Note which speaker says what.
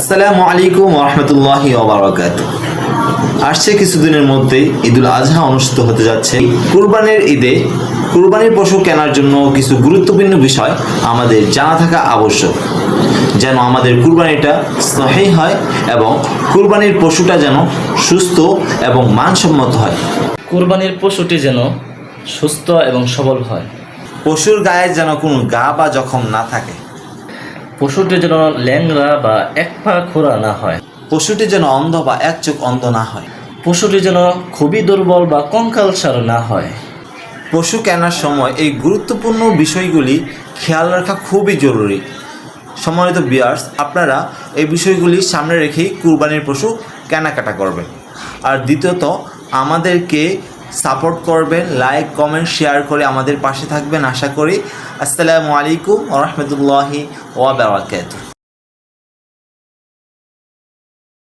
Speaker 1: আসসালামু আলাইকুম ওয়া রাহমাতুল্লাহি ওয়া বারাকাতুহু। আসছে কিছুদিনের মধ্যেই ঈদুল আজহা অনুষ্ঠিত হতে যাচ্ছে। কুরবানির ঈদে কুরবানির পশু কেনার জন্য কিছু গুরুত্বপূর্ণ বিষয় আমাদের জানা থাকা আবশ্যক, যেন আমাদের কুরবানিটা সহিহ হয় এবং কুরবানির পশুটা যেন সুস্থ এবং মানসম্মত হয়।
Speaker 2: কুরবানির পশুটি যেন সুস্থ এবং সবল হয়।
Speaker 1: পশুর গায়ে যেন কোনো গা বা জখম না থাকে।
Speaker 2: পশুটি যেন ল্যাংড়া বা এক পা খোঁড়া না হয়।
Speaker 1: পশুটি যেন অন্ধ বা এক চোখ অন্ধ না হয়।
Speaker 2: পশুটি যেন খুবই দুর্বল বা কঙ্কালসার না হয়।
Speaker 1: পশু কেনার সময় এই গুরুত্বপূর্ণ বিষয়গুলি খেয়াল রাখা খুবই জরুরি। সম্মানিত ভিউয়ার্স, আপনারা এই বিষয়গুলি সামনে রেখেই কুরবানির পশু কেনাকাটা করবেন। আর দ্বিতীয়ত, আমাদেরকে সাপোর্ট করবেন, লাইক কমেন্ট শেয়ার করে আমাদের পাশে থাকবেন আশা করি। আসসালামু আলাইকুম ওয়া রাহমাতুল্লাহি ওয়া বারাকাতুহু।